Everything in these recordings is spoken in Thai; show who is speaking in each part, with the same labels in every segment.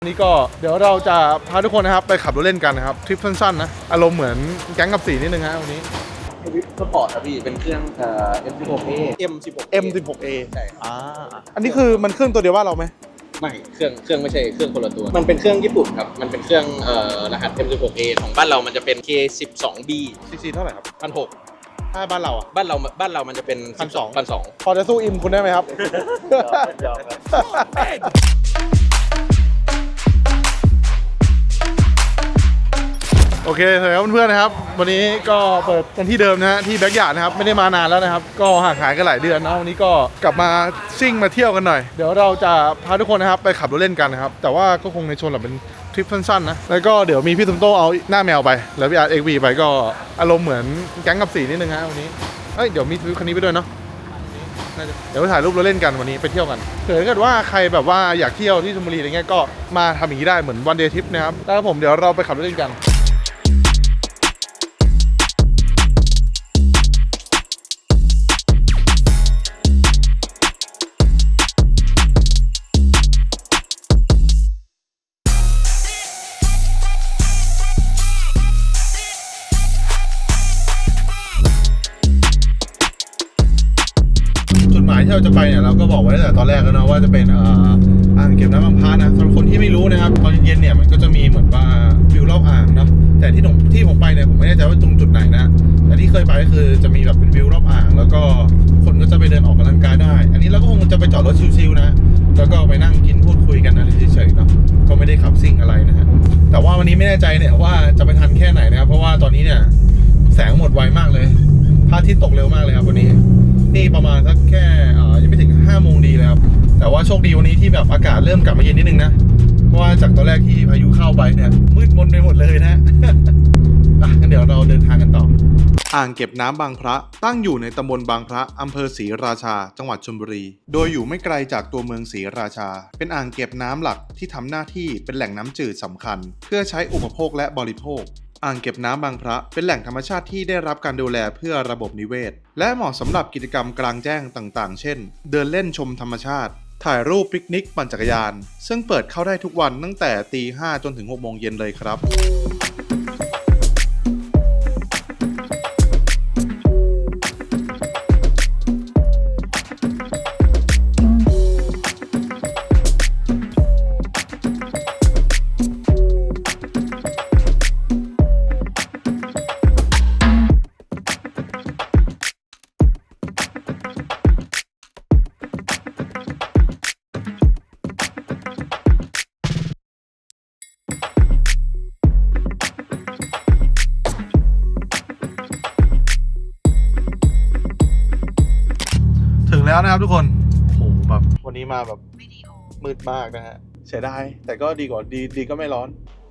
Speaker 1: วันนี้ก็เดี๋ยวเราจะพาทุกคนนะครับไปขับรถเล่นกันนะครับทริปสั้นๆนะอารมณ์เหมือนแก๊งกับสีนิดนึงฮะวันนี้
Speaker 2: วิปสปอร์ตครับพี่เป็นเครื่องM16A
Speaker 1: M16A
Speaker 2: ใช่
Speaker 1: อันนี้คือมันเครื่องตัวเดียวว่าเราไหม
Speaker 2: ไม่เครื่องไม่ใช่เครื่องคนละตัวมันเป็นเครื่องญี่ปุ่นครับมันเป็นเครื่องรหัส M16A ของบ้านเรามันจะเป็น K12B
Speaker 1: ซีเท่าไหร่ครับ
Speaker 2: 1,600
Speaker 1: ถ้าบ้านเราอ่ะ
Speaker 2: บ้านเรามันจะเป็น 1,200
Speaker 1: พอจะสู้อิมคุณได้ไหมครับ โอเคครับเพื่อนๆนะครับวันนี้ก็เปิดกันที่เดิมนะฮะที่แบ็กยาร์ดนะครับไม่ได้มานานแล้วนะครับก็ห่างหายกันหลายเดือนนะวันนี้ก็กลับมาซิ่งมาเที่ยวกันหน่อยเดี๋ยวเราจะพาทุกคนนะครับไปขับรถเล่นกันนะครับแต่ว่าก็คงในชนแบบเป็นทริปสั้นๆนะแล้วก็เดี๋ยวมีพี่ตุ้มโตเอาหน้าแมวไปแล้วพี่อาร์ตXVไปก็อารมณ์เหมือนแก๊งกับสีนิดนึงฮะวันนี้เดี๋ยวมีทริปคันนี้ไปด้วยเนาะเดี๋ยวไปถ่ายรูปรถเล่นกันวันนี้ไปเที่ยวกันถ้าเกิดว่าใครแบบว่าอยากเที่ยวที่ชลบุรีอะไรเงี้ยก็มาทำอย่างนี้ได้เหมือนวันเดย์ทริปนะครับแล้วผมเดี๋ยวเราไปขับรถเล่นกันที่เราจะไปเนี่ยเราก็บอกไว้ตั้งแต่ตอนแรกแล้วเนาะว่าจะเป็นอ่างเก็บน้ำบางพระนะสำหรับคนที่ไม่รู้นะครับตอนเย็นๆเนี่ยมันก็จะมีเหมือนว่าวิวรอบอ่างเนาะแต่ที่ผมไปเนี่ยผมไม่แน่ใจว่าตรงจุดไหนนะแต่ที่เคยไปก็คือจะมีแบบเป็นวิวรอบอ่างแล้วก็คนก็จะไปเดินออกกำลังกายได้อันนี้เราก็คงจะไปจอดรถชิลๆนะแล้วก็ไปนั่งกินพูดคุยกันอะไรเฉยๆเนาะก็ไม่ได้ขับซิ่งอะไรนะฮะแต่ว่าวันนี้ไม่แน่ใจเนี่ยว่าจะไปทันแค่ไหนนะครับเพราะว่าตอนนี้เนี่ยแสงหมดไวมากเลยพระอาทิตย์ตกเร็วมากเลยครับวันนี้นี่ประมาณสักแค่ยังไม่ถึง5 โมงดีเลยครับแต่ว่าโชคดีวันนี้ที่แบบอากาศเริ่มกลับมาเย็นนิดนึงนะเพราะว่าจากตอนแรกที่พายุเข้าไปเนี่ยมืดมนไปหมดเลยนะ งั้นเดี๋ยวเราเดินทางกันต่ออ่างเก็บน้ำบางพระตั้งอยู่ในตำบลบางพระอำเภอศรีราชาจังหวัดชลบุรีโดยอยู่ไม่ไกลจากตัวเมืองศรีราชาเป็นอ่างเก็บน้ำหลักที่ทำหน้าที่เป็นแหล่งน้ำจืดสำคัญเพื่อใช้อุปโภคและบริโภคอ่างเก็บน้ำบางพระเป็นแหล่งธรรมชาติที่ได้รับการดูแลเพื่อระบบนิเวศและเหมาะสำหรับกิจกรรมกลางแจ้งต่างๆเช่นเดินเล่นชมธรรมชาติถ่ายรูปปิกนิกปั่นจักรยานซึ่งเปิดเข้าได้ทุกวันตั้งแต่ตี 5จนถึง 6 โมงเย็นเลยครับแล้วนะครับทุกคนโหแบบวันนี้มาแบบมืดมากนะฮะเสียดายแต่ก็ดีกว่าดีก็ไม่ร้อน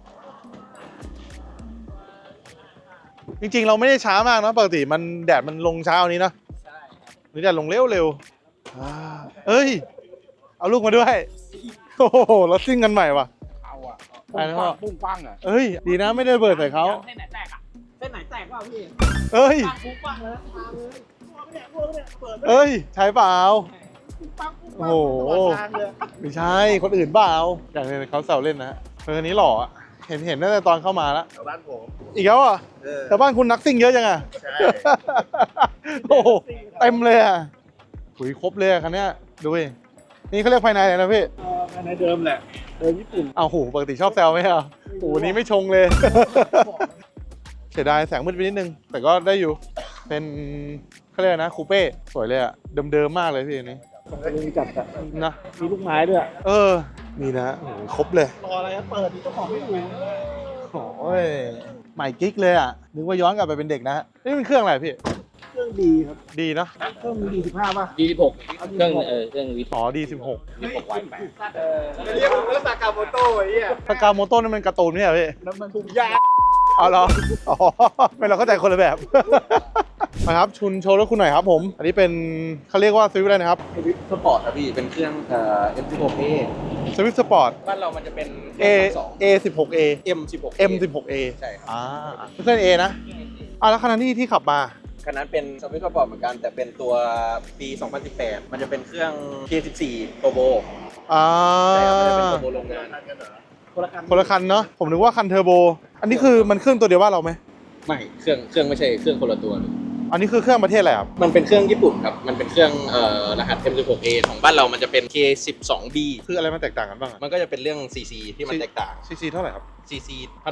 Speaker 1: จริงๆเราไม่ได้ช้ามากนะปกติมันแดดมันลงเช้านี้นะใช่นี่แดดลงเร็วเอ้ยเอาลูกมาด้วยโอ้โหเราซิ่งกันใหม่ว่ะ
Speaker 3: เอาอ่ะ
Speaker 1: ปุ้ง
Speaker 3: ปังอ่ะ
Speaker 1: เอ้ยดีนะไม่ได้เบิดใส่เขา
Speaker 3: เส้นไหนแตกอ่ะเส้นไหนแตกเปล่าพี่
Speaker 1: เอ้ย
Speaker 3: ปุ้งปังเลยมาเลยพวกเนี่ยเปิด
Speaker 1: เอ้ยใช่เปล่าโอ้โห
Speaker 3: ทางเลย
Speaker 1: ไม่ใช่คนอื่นเปล่าอย่างนี้เขาแซวเล่นนะคนนี้หล่อเห็นตั้งแต่ตอนเข้ามาแล้ว
Speaker 3: แถวบ้านผม
Speaker 1: อีกแล้วอ่ะแต่บ้านคุณนักซิ่งเยอะจังอ่ะ
Speaker 3: ใช่
Speaker 1: โอ้โหเต็มเลยอ่ะหุยครบเลยคันนี้ดูดินี่เขาเรียกภายในอะไรนะพี่
Speaker 3: ภายในเดิมแหละเดิมญี่ปุ่น
Speaker 1: เอาหูปกติชอบแซวไหมอ่ะโอ้โหนี้ไม่ชงเลยเสียดายแสงมืดไปนิดนึงแต่ก็ได้อยู่เป็นเขาเรียกนะคูเป้สวยเลยอ่ะเดิมมากเลยพี่อันนี้
Speaker 3: มีจัด
Speaker 1: นะ
Speaker 3: มีลูกไม้ด้วย
Speaker 1: นี่นะโอ้โหครบเลย
Speaker 3: รออะไรเปิดเจ้าของไม่อยู่
Speaker 1: โอ้ยใหม่กิ๊กเลยอ่ะนึกว่าย้อนกลับไปเป็นเด็กนะนี่เป็นเครื่องอะไรพี่
Speaker 3: เครื่องดีครับ
Speaker 1: ดีเนาะ
Speaker 3: เครื่องD15ป่ะ
Speaker 2: D16 เครื่อง
Speaker 1: อ๋อD16
Speaker 2: D16Y8
Speaker 3: เรียกว่าสากาโมโต้ไอ้เหี้ย
Speaker 1: สากาโมโต้นี่มันการ์ตูนไม่ใช่พี่
Speaker 3: น้ำมันถุงยา
Speaker 1: เอาเหรออ๋อไม่เราเข้าใจคนละแบบมาครับชุนโชว์รถคุณหน่อยครับผมอันนี้เป็นเขาเรียกว่าสวิฟต์อะไรนะครับ
Speaker 2: วิปสปอร์ตครับพี่เป็นเครื่องM16A
Speaker 1: สวิฟต์สปอร์ต
Speaker 2: บ้านเรามันจะเป็น
Speaker 1: A16A
Speaker 2: M16A ใช่ครับ
Speaker 1: เครื่อง A นะแล้วขณะที่ขับมา
Speaker 2: คันนั้นเป็นสวิตช์สปอร์ตเหมือนกันแต่เป็นตัวปี 2018 มันจะเป็นเครื่อง K14 Turbo ใช่ครับมันจะเป็น Turbo โรงงาน
Speaker 1: คนละคันเนาะผมนึกว่าคันเทอร์โบอันนี้คือมันเครื่องตัวเดียวบ้านเราไหม
Speaker 2: ไม่เครื่องไม่ใช่เครื่องคนละตัวเลย
Speaker 1: อันนี้คือเครื่องประเทศอะไรครับ
Speaker 2: มันเป็นเครื่องญี่ปุ่นครับมันเป็นเครื่องรหัส M16A ของบ้านเรามันจะเป็น K12B
Speaker 1: คืออะไรมันแตกต่างกันบ้างอะ
Speaker 2: มันก็จะเป็นเรื่อง CC ที่มันแตกต่าง
Speaker 1: ซีซีเท่าไหร่ครับ
Speaker 2: CC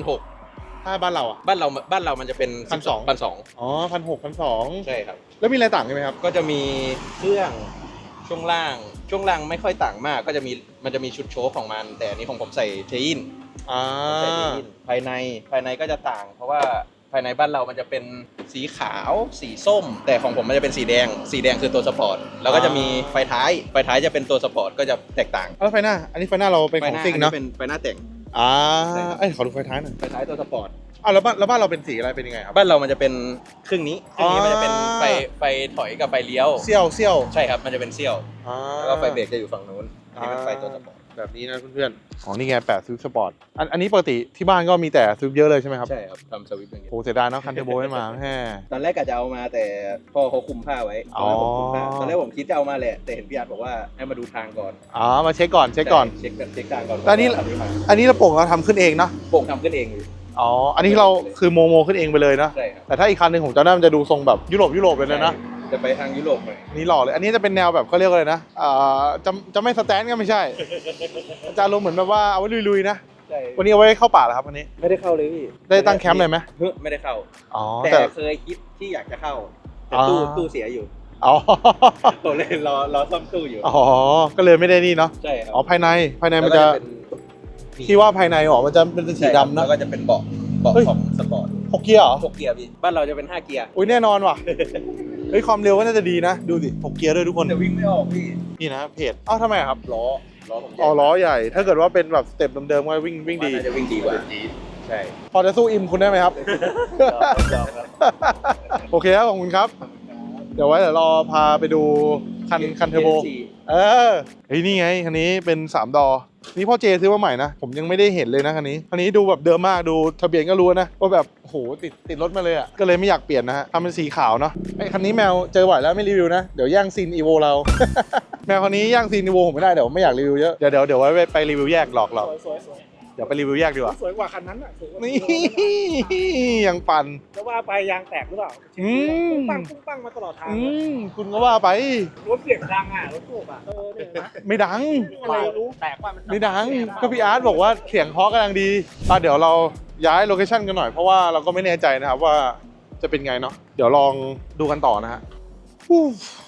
Speaker 2: 1,600
Speaker 1: ถ้าบ้านเราอ่ะ
Speaker 2: บ้านเรามันจะเป็น
Speaker 1: 1,200
Speaker 2: 1,200
Speaker 1: อ๋อ1,600 1,200
Speaker 2: ใช่ครับ
Speaker 1: แล้วมีอะไรต่างกันไหมครับ
Speaker 2: ก็จะมีเครื่องช่วงล่างไม่ค่อยต่างมากก็จะมีมันจะมีชุดโชว์ของมันแต่อันนี้ของผมใส่เทอิน
Speaker 1: อ่า
Speaker 2: ใส่เทอินภายในก็จะต่าง เพราะว่าภายในบ้านเรามันจะเป็นสีขาวสีส้ม แต่ของผมมันจะเป็นสีแดงคือตัวสปอร์ตแล้วก็จะมีไฟท้ายจะเป็นตัวสปอร์ตก็จะแตกต่าง
Speaker 1: แล้วไฟหน้า อันนี้ไฟหน้าเราเป็นของซิ่งเนาะ
Speaker 2: เป็นไฟหน้าแต่ง
Speaker 1: อ่า
Speaker 2: ใช่ครับ
Speaker 1: เอ้ยขอดูไฟท้ายหน่อย
Speaker 2: ไฟท้ายตัวสปอร์ต
Speaker 1: อ้าวแล้วบ้านเราเป็นสีอะไรเป็นยังไงครับ
Speaker 2: บ้านเรามันจะเป็นครึ่งนี้มันจะเป็น
Speaker 1: อ๋อ
Speaker 2: ไฟถอยกับไฟเลี้ยว
Speaker 1: เซี่ยว
Speaker 2: ใช่ครับมันจะเป็นเซี่ยว
Speaker 1: อ่า
Speaker 2: แล้วก็ไฟเบรกจะอยู่ฝั่งนู้นอันนี้เป็นไฟตัวสปอร์ต
Speaker 1: แบบนี้นะเพื่อนๆอ๋อนี่ไง8สวิฟสปอร์ตอันนี้ปกติที่บ้านก็มีแต่สวิฟเยอะเลยใช่ไหมครับ
Speaker 2: ใช่ครับทำสวิตช์อย่างเงี้ย
Speaker 1: โอ้เสียดายเนาะคันเทอร์โบไม่มาแฮ่
Speaker 2: ตอนแรกกะจะเอามาแต่พ่อเขาคุมผ้าไว้
Speaker 1: อ๋อ
Speaker 2: ตอนแรกผมคิดจะเอามาแหละแต่เห็นพี่อาร์ตบอกว่าให้มาดูทางก่อน
Speaker 1: อ๋อมาเช็คก่อน
Speaker 2: เช็คทางก่อน
Speaker 1: แล้วนี่
Speaker 2: ทำที่มา
Speaker 1: อันนี้เราโป่งเราทำขึ้นเองเนาะ
Speaker 2: โป่งทำขึ้นเองอยู่
Speaker 1: อ๋ออันนี้เราคือโมขึ้นเองไปเลยเนาะ
Speaker 2: ใช่ครับ
Speaker 1: แต่ถ้าอีกคันหนึ่งผมจำได้มันจะดูทรงแบบยุโรปเลยนะ
Speaker 2: จะไปทางยุโรปหน่อย
Speaker 1: นี่หล่อเลย อันนี้จะเป็นแนวแบบเขาเรียกว่าอะไรนะจะไม่สแตนก็ไม่ใช่ จะลงเหมือนแบบว่าเอาไว้ลุยๆนะ
Speaker 2: ใช่
Speaker 1: วันนี้เอาไว้เข้าป่าเหรอครับวันนี้
Speaker 2: ไม่ได้เข้าเลยพี่
Speaker 1: ได้ตั้งแคมป์เลยไหม
Speaker 2: เฮ้ยไม่ได้เข้า
Speaker 1: อ๋อ
Speaker 2: แต่
Speaker 1: แต่
Speaker 2: เคยคิดที่อยากจะเข้าแต่
Speaker 1: อ๋อ
Speaker 2: ตู้เสียอยู่
Speaker 1: อ๋อ
Speaker 2: ผมเลยรอซ่อมตู้อยู่
Speaker 1: อ๋อ ก็เลยไม่ได้นี่เนาะ
Speaker 2: ใช่ครับ
Speaker 1: อ๋อภายในมันจะ
Speaker 2: แล้วก็เป็น
Speaker 1: ที่ว่าภายในอ๋อมันจะเป็นสีดำนะ
Speaker 2: แล้วก็จะเป็นเบาะ
Speaker 1: เฮ้ย
Speaker 2: ของสปอร์ต
Speaker 1: 6 เกียร์เหรอ
Speaker 2: 6 เกียร์พี่บ้านเราจะเป็น5เกียร์
Speaker 1: อุ้ยแน่นอนว่ะ เฮ้ยความเร็วก็น่าจะดีนะ ดูสิ6 เกียร์ด้วยทุกคน
Speaker 2: แต่วิ่งไม่ออกพี่
Speaker 1: นี่นะเพจอ้าวทำไมอะครับ
Speaker 2: ล้อผมใหญ่
Speaker 1: อ๋อล้อใหญ่ ถ้าเกิดว่าเป็นแบบสเต็ปเดิมๆก็วิ่งดี
Speaker 2: น่าจะวิ่งดีกว่าใช่
Speaker 1: พอจะสู้อิมคุณได้ไหมครับ
Speaker 2: ยอมครับ
Speaker 1: โอเคครับขอบคุณครับ เดี๋ยวรอพาไปดูคันเทอร์โบ เออเฮ้ยนี่ไงคันนี้เป็น3 ดอ นี่พ่อเจซื้อมาใหม่นะ ผมยังไม่ได้เห็นเลยนะคันนี้ดูแบบเดิมมากดูทะเบียนก็รู้นะว่าแบบโอ้โหติดรถมาเลยอ่ะก็เลยไม่อยากเปลี่ยนนะฮะทำเป็นสีขาวเนาะไอ้คันนี้แมวเจอบ่อยแล้วไม่รีวิวนะเดี๋ยวแย่งซีนอีโวเรา แมวคันนี้แย่งซีนอีโวผมไม่ได้เดี๋ยวไม่อยากรีวิวเยอะเดี๋ยวไว้ไปรีวิวแยกหลอกเรา
Speaker 3: สวย
Speaker 1: เดี๋ยวไปรีวิวแยกดีกว่า
Speaker 3: สวยกว่าคันนั้นอ่ะสวยกว่า
Speaker 1: นี่ยังปั่น
Speaker 3: จะว่าไปยางแตกหรือเปล่า
Speaker 1: อืม
Speaker 3: ปุ้งปังมาตลอดทาง
Speaker 1: คุณก็ว่าไป
Speaker 3: รถเสียงดังอ่ะรถตู้อ่ะเนี่ยนะ
Speaker 1: ไม่ดัง
Speaker 3: อะไรรู้แตกว่ามัน
Speaker 1: ไม่ดังก็พี่อาร์ตบอกว่าเสียงเพราะกำลังดีเดี๋ยวเราย้ายโลเคชั่นกันหน่อยเพราะว่าเราก็ไม่แน่ใจนะครับว่าจะเป็นไงเนาะเดี๋ยวลองดูกันต่อนะฮะอู้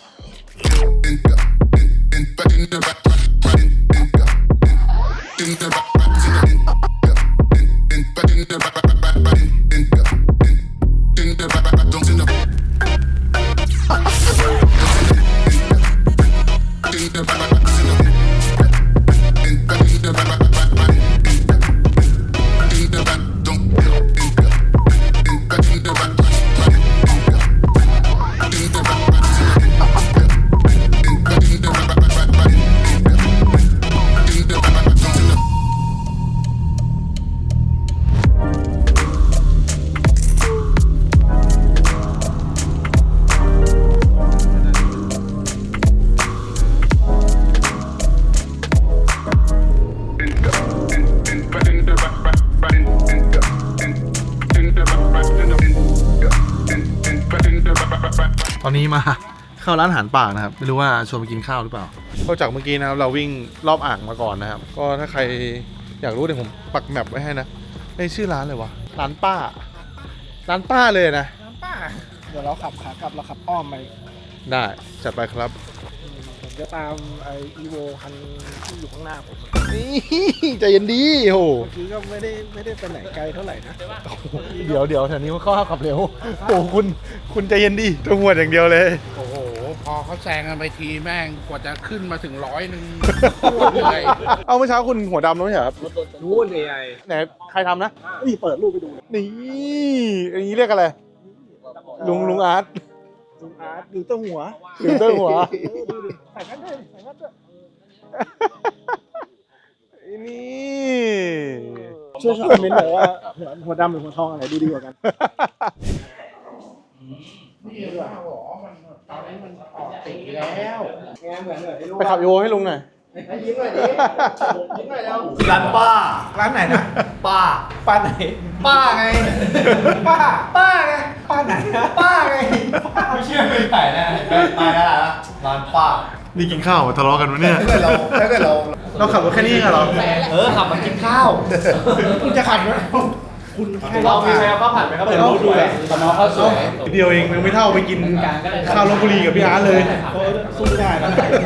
Speaker 1: ตอนนี้มาเข้าร้านอาหารป่านะครับไม่รู้ว่าชวนไปกินข้าวหรือเปล่าก็จากเมื่อกี้นะครับเราวิ่งรอบอ่างมาก่อนนะครับก็ถ้าใครอยากรู้เดี๋ยวผมปักแมปไว้ให้นะในชื่อร้านเลยวะร้านป้าเลยนะ
Speaker 3: ป้าเดี๋ยวเราขับขากลับเราขับอ้อมไป
Speaker 1: ได้จัดไปครับ
Speaker 3: ผมจะตามไออีโวคันที่อยู่ข้างหน้าผม
Speaker 1: นี่ใจเย็นดีโอ้โห
Speaker 3: เมื่อกี้ก็ไม่ได้ไปไหนไกลเท่าไหร่นะ
Speaker 1: เดี๋ยวแถวนี้มันเข้าขับเร็วโอ้โหคุณใจเย็นดีตัวหัวอย่างเดียวเลย
Speaker 4: โอ้โห พอเขาแซงกันไปทีแม่งกว่าจะขึ้นมาถึง100โคตรเหนื่อย
Speaker 1: เอาเมื่อเช้าคุณหัวดำแล้วไม่ใช่เหรอครับ
Speaker 3: รู้ว่าไง
Speaker 1: ไหนใครทำนะ
Speaker 3: นี่เปิดรูปไปดูเลย
Speaker 1: นี่อย่างนี้เรียกอะไรลุงอาร์ต
Speaker 3: ลุงอาร์ตดูต้นหัว
Speaker 1: หรือเต้าหัว
Speaker 3: ดูดิใส่กันด้วยใส่กันด้วย
Speaker 1: นี่
Speaker 3: ช่วยคอมเมนต์หน่อยว่าหัวดำหรือหัวทองอะไรดูดีกว่ากัน
Speaker 4: นี่เหรอมันตอนนี้มันออกติดแล้ว
Speaker 3: งานเหมือนไอ้ลูก
Speaker 1: ไปขับอีโวให้ลุงหน่อย
Speaker 3: ยิ้มหน่อยดิยิ้มหน่อยแล้ว
Speaker 5: ร้านป้า
Speaker 3: ร้านไหนนะ
Speaker 5: ป้า
Speaker 3: ป้าไหน ป้าไง ป้าไง ป้าไหนนะป้าไง
Speaker 5: ไม่เชื่อไม่ถ่ายแน่ตายแล้วร้านป้า
Speaker 1: นี่กินข้าวทะเลาะกันวะเนี่ย
Speaker 3: ถ้าเกิดเรา
Speaker 1: เราขับรถแค่นี้เหรอ
Speaker 5: ขับมากินข้าว
Speaker 3: คุณจะขับไหมคุณแค่
Speaker 5: เรามีแมวข้าวผัดไหมครับเดี๋ยวรู้ดูเลยตอนน้องข้าวสวย
Speaker 1: เดียวเองยังไม่เท่าไปกินข้าวลพบุรีกับพี่อาร์ตเลย
Speaker 3: สู้ไม่ได้นะ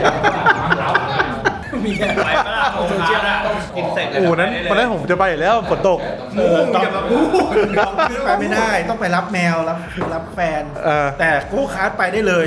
Speaker 5: มีแค่ไปก็ได้โซเชียลนะกินเสร็จเลย
Speaker 1: โอ้นั้นตอนแรกผมจะไปอยู่แล้วฝนตก
Speaker 3: อย่ามาพูดไปไม่ได้ต้องไปรับแมวรับแฟน แต่โก้คาร์ดไปได้เลย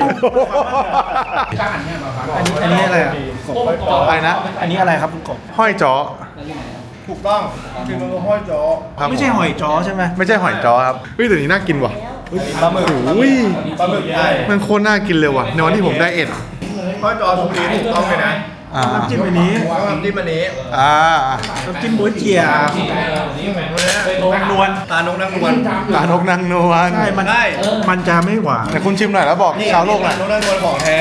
Speaker 3: อันนี้อะไรอ่ะ
Speaker 1: อะไรนะ
Speaker 3: อันนี้อะไรครับคุณกบ
Speaker 1: ห้อยจ้อ
Speaker 3: ถูกต้องคือมันก็ห้อยจ้อ
Speaker 1: ครับ
Speaker 3: ไม่ใช่หอยจ้อใช่ไหม
Speaker 1: ไม่ใช่หอยจ้อครับเฮ้ยแต่นี้น่ากินว่ะ
Speaker 3: ปลาหมึก
Speaker 1: อุ้ย
Speaker 3: ปลาหมึกใหญ่
Speaker 1: มันโคตรน่ากินเลยว่ะในวันที่ผมได้เอ็ด
Speaker 3: ห้อยจ้อสุกี้ถูกต้องเลยนะน้ำจิ้มอันนี้น้ำจิ้มอันนี้ น้ำจิ้มบ๊วยเจียนางนวลตานกนางนวล
Speaker 1: ตานกนางนวล
Speaker 3: ใช่มันจะไม่หวาน
Speaker 1: แต่คุณชิมหน่อยแล้วบอกชาวโลกหน่อย
Speaker 3: นกนางนวลของแท้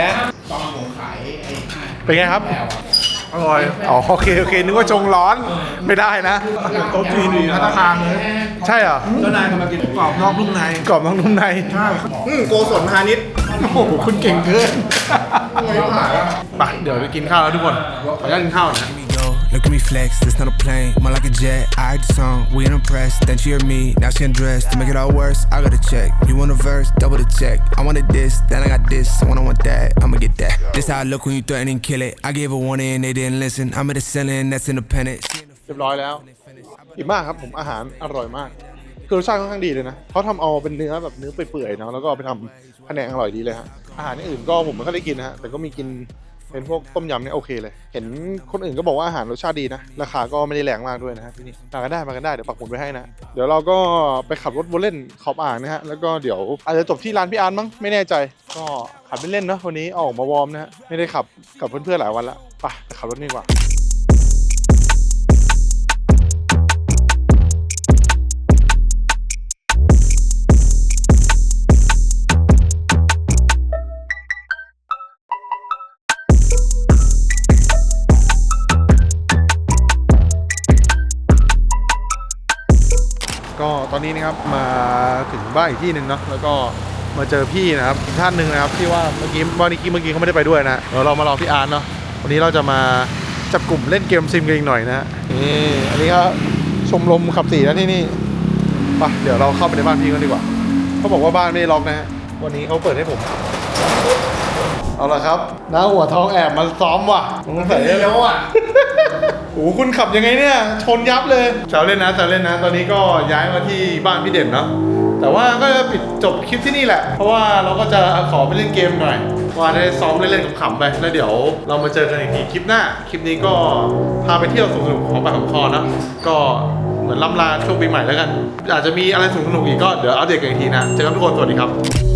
Speaker 1: เป็นไงครับ
Speaker 3: อร่อย
Speaker 1: อ๋อโอเคนึกว่าชงร้อนไม่ได้นะ
Speaker 3: โต๊ะจีนพัตตาคารเลย
Speaker 1: ใช่เหรอ
Speaker 3: เจ้านายกำลังกินกรอบนอกนุ่มใน
Speaker 1: กรอบน้องนุ่มใน
Speaker 3: ใช่โกศลพาณิชย์
Speaker 1: โอ้โหคุณเก่งเกินไปเดี๋ยวไปกินข้าวแล้วทุกคนขออนุญาตกินข้าวหนะ
Speaker 6: Look at me flex, this not a plane, more like a jet. I heard the song, we ain't impressed. Then she heard me, now she undressed. To make it all worse, I got a check. You want a verse, double the check. I wanted this, then I got this. I want that, I'ma get that. This how I look when you threaten and kill it. I gave a warning and they didn't listen. I'm at a ceiling, that's independent.
Speaker 1: เรียบร้อยแล้วอิ่มมากครับผมอาหารอร่อยมากคือรสชาติค่อนข้างดีเลยนะเขาทำเอาเป็นเนื้อแบบเนื้อเปื่อยๆเนาะแล้วก็เอาไปทำแผนงอร่อยดีเลยฮะอาหารอื่นก็ผมไม่ค่อยได้กินนะฮะแต่ก็มีกินเป็นพวกต้มยำเนี่ยโอเคเลยเห็นคนอื่นก็บอกว่าอาหารรสชาติดีนะราคาก็ไม่ได้แรงมากด้วยนะฮะที่นี่มากันได้เดี๋ยวปักหมุดไว้ให้นะเดี๋ยวเราก็ไปขับรถวนเล่นขอบอ่างนะฮะแล้วก็เดี๋ยวอาจจะจบที่ร้านพี่อาร์ตมั้งไม่แน่ใจก็ขับเล่นๆเนาะวันนี้ออกมาวอร์มนะฮะไม่ได้ขับกับเพื่อนๆหลายวันละไปขับรถนี่ดีกว่าก็ตอนนี้นะครับมาถึงบ้านอีกที่หนึ่งเนาะแล้วก็มาเจอพี่นะครับอีกท่านหนึ่งนะครับที่ว่าเมื่อกี้เขาไม่ได้ไปด้วยนะเดี๋ยวเรามารอพี่อาร์ตเนาะวันนี้เราจะมาจับกลุ่มเล่นเกมซิมกันอีกหน่อยนะนี่อันนี้ก็ชมรมขับสีนะที่นี่ไปเดี๋ยวเราเข้าไปในบ้านพี่กันดีกว่าเขาบอกว่าบ้านไม่ได้ล็อกนะฮะวันนี้เขาเปิดให้ผมเอาละครับน้าหัวทองแอบมาซ้อมว่ะสงสัยแล้วอ่ะ โอ้โหคุณขับยังไงเนี่ยชนยับเลยแซวเล่นนะตอนนี้ก็ย้ายมาที่บ้านพี่เด่นเนาะแต่ว่าก็จะปิดจบคลิปที่นี่แหละเพราะว่าเราก็จะขอไปเล่นเกมหน่อยว่าได้ซ้อมเล่นๆขำๆไปแล้วเดี๋ยวเรามาเจอกันอีกทีคลิปหน้าคลิปนี้ก็พาไปเที่ยวสนุกๆของปากของคอนะก็เหมือนล่ำลาช่วงปีใหม่แล้วกันอาจจะมีอะไรสนุกๆอีกก็เดี๋ยวอัปเดตกันอีกทีนะเจอกันทุกคนสวัสดีครับ